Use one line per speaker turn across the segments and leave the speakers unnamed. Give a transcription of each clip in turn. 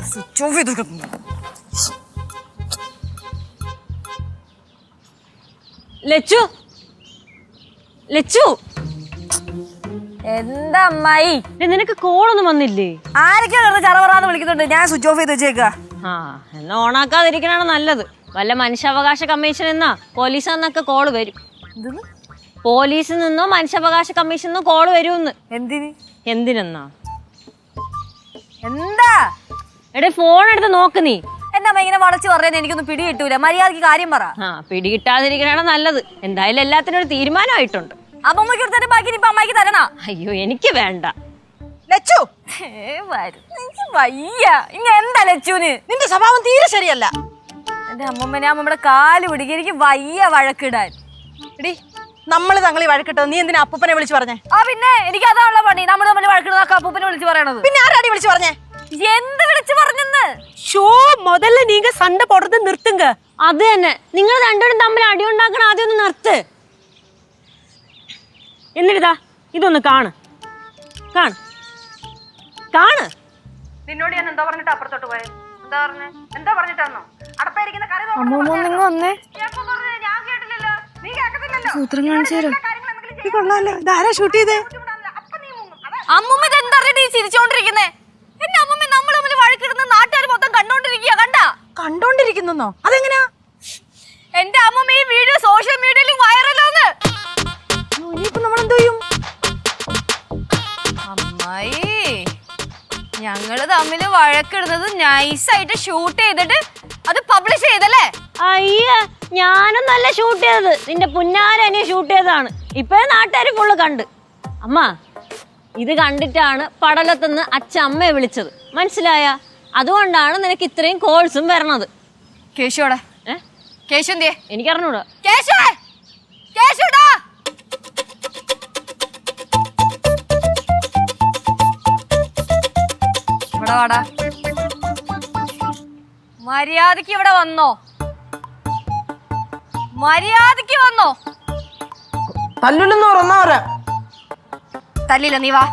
Switch off ചെയ്ത്
ലച്ചു ലച്ചു
എന്താ അമ്മായി
നിനക്ക് കോളൊന്നും വന്നില്ലേ?
ആരൊക്കെ ചറവറാന്ന് വിളിക്കുന്നുണ്ട്. ഞാൻ സ്വിച്ച് ഓഫ് ചെയ്ത് വെച്ചേക്ക.
ആ എന്നാ ഓണാക്കാതിരിക്കണാണ് നല്ലത്. വല്ല മനുഷ്യാവകാശ കമ്മീഷൻ എന്നാ പോലീസ് എന്നൊക്കെ കോള് വരും. പോലീസിൽ നിന്നോ മനുഷ്യാവകാശ കമ്മീഷൻ നിന്നോ കോള് വരുമെന്ന്. എന്തിനെന്നാ?
എന്താ
എടേ ഫോൺ എടുത്ത് നോക്ക് നീ.
എന്റെ അമ്മ ഇങ്ങനെ വളച്ച് പറയാൻ എനിക്കൊന്നും പിടി കിട്ടൂല. മര്യാദക്ക് കാര്യം പറ.
പിടി കിട്ടാതിരിക്കണാണ് നല്ലത്. എന്തായാലും എല്ലാത്തിനും ഒരു തീരുമാനമായിട്ടുണ്ട്.
അമ്മമ്മക്ക് എടുത്തിട്ട് ബാക്കി ഇപ്പൊ അമ്മയ്ക്ക് തരണ.
അയ്യോ എനിക്ക് വേണ്ട.
ലച്ചു വയ്യ. ഇങ്ങ എന്താ ലച്ചുന്? നിന്റെ സ്വഭാവം തീരെ ശരിയല്ല. എന്റെ അമ്മമ്മനെ അമ്മമ്മയുടെ കാല് പിടിക്കുക. എനിക്ക് വയ്യ വഴക്കിടാൻ. എടി നമ്മള് തങ്ങളി വഴക്കിട്ടോ. നീ എന്തിനാ അപ്പൂപ്പനെ വിളിച്ചു പറഞ്ഞേ? ആ പിന്നെ എനിക്ക് അതാണല്ലോ പണി. നമ്മൾ തമ്മിൽ വഴക്കിടുന്ന അപ്പൂപ്പനെ വിളിച്ചു പറയണത്. പിന്നെ ആരാടി വിളിച്ചു പറഞ്ഞേ? എന്ത് വിളിച്ചു പറഞ്ഞെന്ന്? ഷോ മുതല്ല നീങ്ക സണ്ട പോടുന്നത് നിർത്തുങ്ക.
അത് തന്നെ, നിങ്ങൾ രണ്ടുപേരും തമ്മിൽ അടിയുണ്ടാക്കണം. ആദ്യം ഒന്ന് നിർത്ത്. എന്നിട്ടാ ഇതൊന്ന് കാണ് കാണ് കാണ്.
നിന്നോട് ഞാൻ എന്താ പറഞ്ഞിട്ട് അപ്പുറത്തോട്ട് പോയത്? എന്താ പറഞ്ഞേ? എന്താ പറഞ്ഞിട്ടാന്നോ? അടപ്പായിരിക്കുന്ന കറി അമ്മൂമ്മ എന്താ ചിരിച്ചോണ്ടിരിക്കുന്നേ? എന്റെ അമ്മൂമ്മ നമ്മൾ തമ്മിൽ വഴക്കിടുന്ന നാട്ടുകാർ മൊത്തം കണ്ടോണ്ടിരിക്കുക. കണ്ടോണ്ടിരിക്കുന്നോ? അതെങ്ങനെയാ? എന്റെ അമ്മൂമ്മ ഈ വീഡിയോ സോഷ്യൽ മീഡിയയിൽ വൈറലാന്ന്. ഇനിയിപ്പോ നമ്മളെന്ത് ചെയ്യും? അമ്മായി ഞങ്ങള് തമ്മില് വഴക്കിടുന്നത് നൈസായിട്ട് ഷൂട്ട് ചെയ്തിട്ട് അത് പബ്ലിഷ് ചെയ്തല്ലേ?
അയ്യ ഞാനും നല്ല ഷൂട്ട് ചെയ്തത്. നിന്റെ പുന്നാരനെ ഷൂട്ട് ചെയ്തതാണ്. ഇപ്പഴേ നാട്ടുകാര് ഫുള്ള് കണ്ട്. അമ്മ ഇത് കണ്ടിട്ടാണ് പടലത്തുനിന്ന് അച്ഛമ്മയെ വിളിച്ചത്. മനസ്സിലായ? അതുകൊണ്ടാണ് നിനക്ക് ഇത്രയും കോൾസും വരണത്.
കേശുടെ കേശു എന്തിയെ?
എനിക്കറിഞ്ഞൂടാ.
ഇവിടെ വാടാ. മര്യാദക്ക് ഇവിടെ വന്നോ? മര്യാദക്ക് വന്നോ?
തല്ലില്ലെന്ന് പറഞ്ഞാ
തല്ലില്ല. നീ വാ.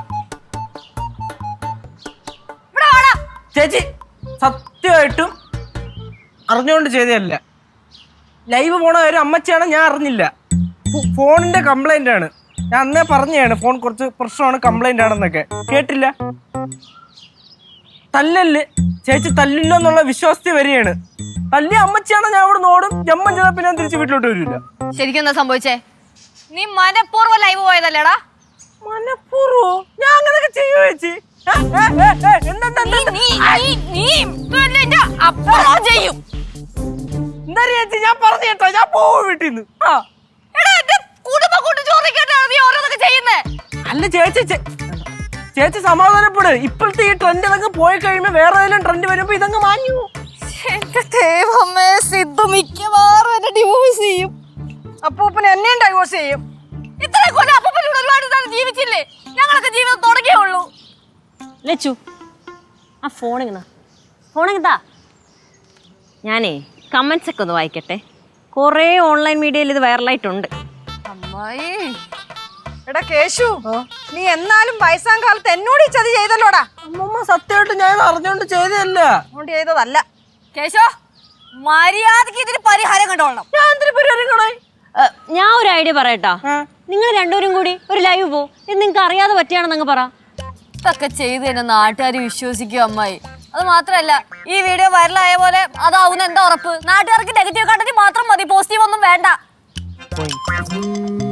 ഇവിടെ വാടാ.
ചേച്ചി സത്യമായിട്ടും അറിഞ്ഞുകൊണ്ട് ചെയ്തതല്ല. ലൈവ് പോണ കാര്യം അമ്മച്ചിയാണ്, ഞാൻ അറിഞ്ഞില്ല. ഫോണിന്റെ കംപ്ലൈന്റ് ആണ്. ഞാൻ അന്നേ പറഞ്ഞാണ് ഫോൺ കുറച്ച് പ്രശ്നമാണ്, കംപ്ലൈന്റ് ആണെന്നൊക്കെ. കേട്ടില്ല. തല്ലല് ചേച്ചി തല്ലില്ല എന്നുള്ള വിശ്വാസത്തിൽ വരികയാണ്. തല്ലി അമ്മച്ചിയാണ്, ഞാൻ ഇവിടെ ഓടും. ജമ്മം ചെയ്താൽ പിന്നെ തിരിച്ച് വീട്ടിലോട്ട് വരില്ല.
ശരിക്കും എന്താ സംഭവിച്ചേ? നീ മനഃപൂർവ്വം ലൈവ് പോയതല്ലേടാ?
മനഃപൂർവ്വം? ഞാൻ അങ്ങനെയൊക്കെ ചെയ്യോ ചേച്ചി? എന്താ ചേച്ചി? ഞാൻ പറഞ്ഞു കേട്ടോ, ഞാൻ പോവും വീട്ടിൽ നിന്ന്. അല്ല ചേച്ചി, ചേച്ചി സമാധാനപ്പെട്. ഇപ്പോഴത്തെ ഈ ട്രെൻഡ് ഇതങ്ങ് പോയി കഴിയുമ്പോ വേറെ ഏതെങ്കിലും ട്രെൻഡ് വരുമ്പോ ഇതങ്ങ് മാഞ്ഞു.
മിക്കവാറും എന്നെ ഡിവോഴ്സ് ചെയ്യും. അപ്പൂപ്പന് എന്നെയും ഡൈവോഴ്സ് ചെയ്യും. ഇത്രയും കൊല്ലം അപ്പൂപ്പനോട് ഒരുപാട് ജീവിച്ചില്ലേ? ഞങ്ങളൊക്കെ ജീവിതം തുടങ്ങിയേ ഉള്ളൂ.
ലച്ചു ആ ഫോണിങ്ങതാ. ഞാനേ കമന്റ്സ് ഒക്കെ ഒന്ന് വായിക്കട്ടെ. കുറേ ഓൺലൈൻ മീഡിയയിൽ ഇത് വൈറലായിട്ടുണ്ട്.
അമ്മായി എടാ കേശു, നീ എന്നാലും വയസ്സാം കാലത്ത് എന്നോട് ഈ ചതി ചെയ്തല്ലോടാ.
അമ്മമ്മ സത്യമായിട്ട് ഞാൻ അറിഞ്ഞോണ്ട് ചെയ്തതല്ല.
അതുകൊണ്ട് ചെയ്തതല്ല. കേശു മര്യാദക്ക് ഇതിന് പരിഹാരം കണ്ടോളണം.
ഞാൻ എന്തിനു പരിഹാരം കാണാൻ?
ഞാൻ ഒരു ഐഡിയ പറയട്ടാ. നിങ്ങൾ രണ്ടുപേരും കൂടി ഒരു ലൈവ് പോ. ഇത് നിങ്ങൾക്ക് അറിയാതെ പറ്റിയാണെന്നങ്ങ് പറ.
ഇതൊക്കെ ചെയ്ത് തന്നെ നാട്ടുകാർ വിശ്വസിക്കും അമ്മായി. അത് മാത്രല്ല ഈ വീഡിയോ വൈറലായ പോലെ അതാവുന്ന എന്താ ഉറപ്പ്? നാട്ടുകാർക്ക് നെഗറ്റീവ് കണ്ടന്റ് മാത്രം മതി, പോസിറ്റീവ് ഒന്നും വേണ്ട.